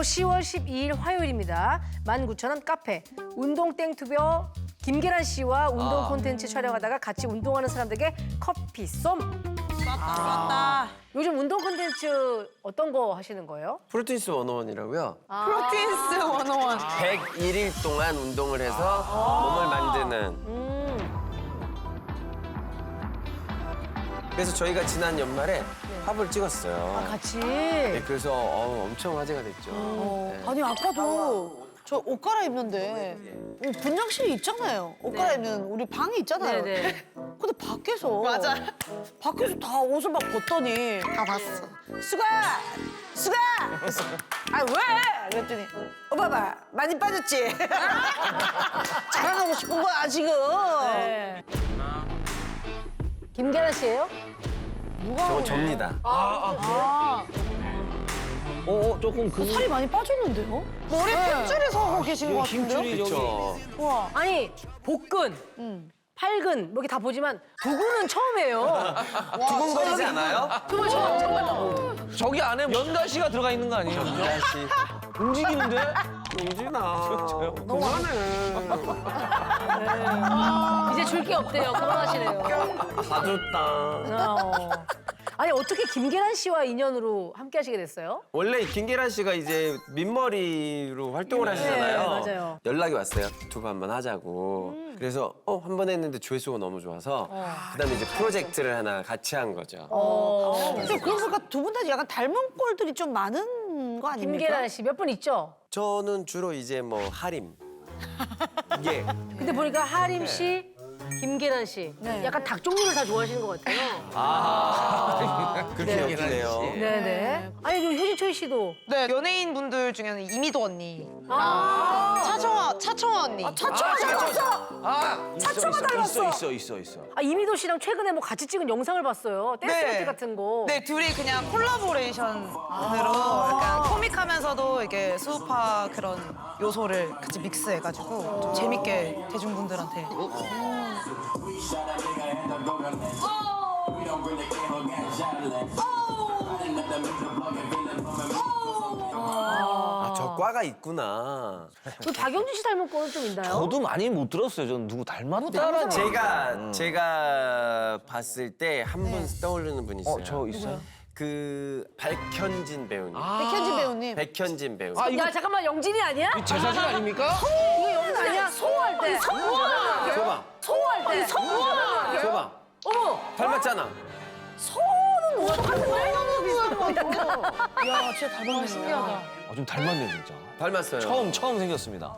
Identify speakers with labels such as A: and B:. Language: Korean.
A: 오늘도 10월 12일 화요일입니다. 19,000원 카페 운동땡투벼 김계란 씨와 운동 콘텐츠 촬영하다가 같이 운동하는 사람들에게 커피 쏨.
B: 맞다.
A: 요즘 운동 콘텐츠 어떤 거 하시는 거예요?
C: 프로틴스 101이라고요.
B: 프로틴스 101.
C: 101일 동안 운동을 해서 몸을 만드는. 그래서 저희가 지난 연말에 팝을 찍었어요.
A: 같이.
C: 네, 그래서 엄청 화제가 됐죠. 네.
B: 아니 아까도 저 옷 갈아입는데 분장실이 있잖아요. 옷 갈아입는 우리 방이 있잖아요.
A: 네네.
B: 근데 밖에서 밖에서 다 옷을 막 벗더니 다 봤어. 수가 그래서 아 왜? 그랬더니 오빠 봐 많이 빠졌지. 자랑하고 싶은 거야 지금.
A: 네. 김계란 씨예요?
C: 저거 접니다.
D: 조금 그
B: 살이 많이 빠졌는데요? 머리 핏줄에서 하고 계신 것 같은데요?
C: 그렇죠.
B: 와.
A: 아니 복근, 팔근 뭐 이렇게 다 보지만 두근은 처음이에요.
C: 두근거리지 않아요?
A: 정말 처음.
D: 저기 안에 연가시가 들어가 있는 거 아니에요?
C: 다시.
D: 움직이는데?
C: 용진아.
A: 이제 줄 게 없대요. 그만하시래요.
C: 봐줬다.
A: 아니 어떻게 김계란 씨와 인연으로 함께 하시게 됐어요?
C: 원래 김계란 씨가 이제 민머리로 활동을 하시잖아요.
A: 네, 맞아요.
C: 연락이 왔어요. 유튜브 한번 하자고. 그래서 한 번 했는데 조회수가 너무 좋아서 그다음에 이제 프로젝트를 하나 같이 한 거죠.
B: 좀 그러니까 두 분 다 약간 닮은 꼴들이 좀 많은 거 아닙니까?
A: 김계란 씨 몇 분 있죠?
C: 저는 주로 이제 뭐 하림. 이게
A: 근데 보니까 하림 씨, 김계란 씨 약간 닭 종류를 다 좋아하시는 것 같아요.
C: 그렇게 엮이네요.
A: 네네. 아니 그리고 효진초이 씨도
E: 네, 연예인 분들 중에는 이미도 언니, 차청아 언니.
B: 차초가 닮았어! 차초가 닮았어!
D: 있어.
A: 아 이미도 씨랑 최근에 뭐 같이 찍은 영상을 봤어요. 댄스 배틀 같은 거.
E: 네, 둘이 그냥 콜라보레이션으로 약간 코믹하면서도 이렇게 수우파 그런 요소를 같이 믹스해가지고 좀 재밌게 대중분들한테.
C: 저 과가 있구나.
A: 그 박영진 씨 닮은 거는 좀 있나요?
D: 저도 많이 못 들었어요. 저는 누구 닮았다.
C: 제가 봤을 때 한 분 떠오르는 분이 있어요.
D: 저 있어요?
C: 그 백현진 배우님.
B: 백현진 배우님.
C: 백현진 배우님.
A: 야 잠깐만 영진이 아니야?
D: 제 사진 아닙니까?
A: 이거 영진 아니야? 소호할 때.
C: 줘봐.
A: 소호할 때.
C: 줘봐.
A: 어머.
C: 닮았잖아.
B: 야, 진짜 닮았네. 신기하다.
D: 좀 닮았네 진짜.
C: 닮았어요.
D: 처음 생겼습니다.